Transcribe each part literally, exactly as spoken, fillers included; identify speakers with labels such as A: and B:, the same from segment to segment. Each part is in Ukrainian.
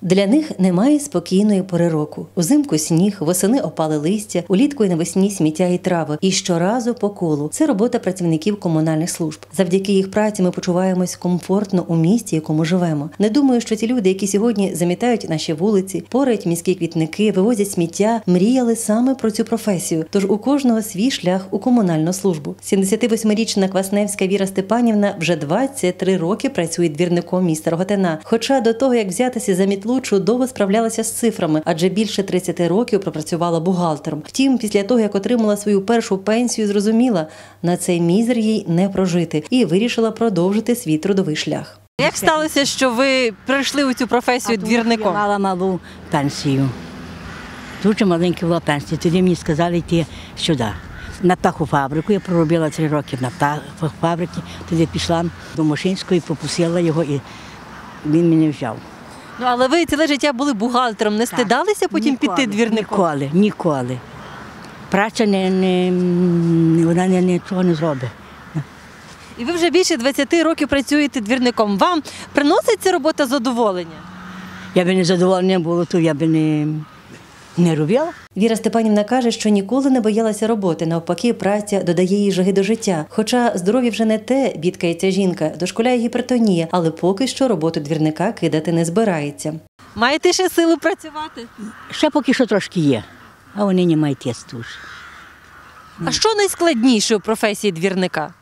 A: Для них немає спокійної пори року. Узимку сніг, восени опали листя, улітку і навесні сміття і трави. І щоразу по колу. Це робота працівників комунальних служб. Завдяки їх праці ми почуваємось комфортно у місті, якому живемо. Не думаю, що ті люди, які сьогодні замітають наші вулиці, порають міські квітники, вивозять сміття, мріяли саме про цю професію. Тож у кожного свій шлях у комунальну службу. сімдесятивосьмирічна Квасневська Віра Степанівна вже двадцять три роки працює двірником міста Рогатина. Хоча до того, як взятися за мітлу, чудово справлялася з цифрами, адже більше тридцяти років пропрацювала бухгалтером. Втім, після того, як отримала свою першу пенсію, зрозуміла, на цей мізер їй не прожити і вирішила продовжити свій трудовий шлях.
B: Як сталося, що ви прийшли у цю професію двірником?
C: Я мала малу пенсію. Дуже маленька була пенсія. Тоді мені сказали йти сюди. На птахофабрику. Я проробила три роки на птахофабриці. Тоді пішла до Мошинської, пропустила його і він мене взяв.
B: Ну, але ви ціле життя були бухгалтером, не стидалися потім
C: ніколи,
B: піти двірником?
C: Ніколи, ніколи. Праця не, не, вона не, нічого не зробить.
B: І ви вже більше двадцяти років працюєте двірником. Вам приносить ця робота задоволення?
C: Я би не задоволена була, то я би не, не робила.
A: Віра Степанівна каже, що ніколи не боялася роботи, навпаки, праця додає їй жаги до життя. Хоча здоров'я вже не те, бідкається жінка, дошкуляє гіпертонія, але поки що роботу двірника кидати не збирається.
B: Маєте ще силу працювати?
C: Ще поки що трошки є, а вони не мають тесту.
B: А що найскладніше у професії двірника?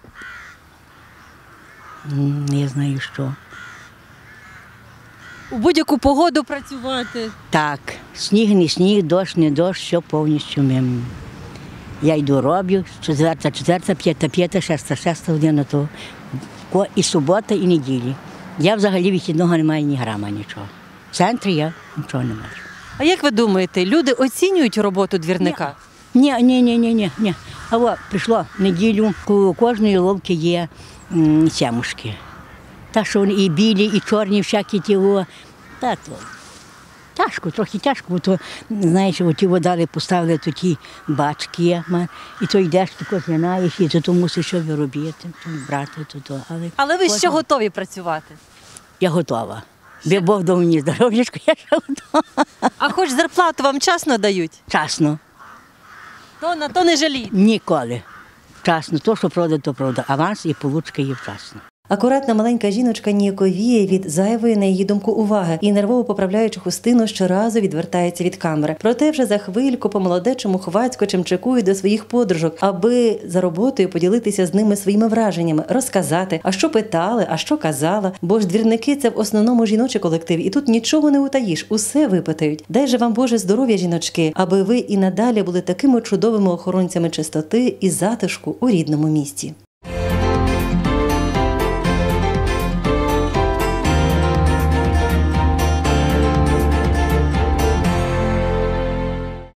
C: Не знаю, що.
B: У будь-яку погоду працювати?
C: Так, сніг, не сніг, дощ, не дощ, все повністю мимо. Я йду роблю, четверта, четверта, п'ята, п'ята, шеста, шеста година, то і субота, і неділі. Я взагалі вихідного не маю ні грама, нічого. В центрі я нічого не маю.
B: А як ви думаєте, люди оцінюють роботу двірника?
C: Ні, ні, ні, ні, ні, ні. А от прийшло неділю, у кожної ловки є м, сямушки. Та, що вони і білі, і чорні, всякі ті. Та, то, тяжко, трохи тяжко, бо то, знаєш, оті водали, поставили такі бачки, і то йдеш, ти згинаєш, і то, то мусиш що робити, то брати, то, то. Але,
B: Але ви
C: кожен...
B: ще готові працювати?
C: Я готова. Би Бог дав мені здоров'ячко, я ще готова.
B: А хоч зарплату вам часно дають?
C: Часно.
B: То на то не жаліють?
C: Ніколи. Часно. То, що правда, то правда. Аванс і получка є вчасно.
A: Акуратна маленька жіночка ніяковіє від зайвої, на її думку, уваги і, нервово поправляючи хустину, щоразу відвертається від камери. Проте вже за хвильку по-молодечому хвацько чимчикує до своїх подружок, аби за роботою поділитися з ними своїми враженнями, розказати, а що питали, а що казала. Бо ж двірники – це в основному жіночий колектив, і тут нічого не утаїш, усе випитають. Дай же вам Боже здоров'я, жіночки, аби ви і надалі були такими чудовими охоронцями чистоти і затишку у рідному місті.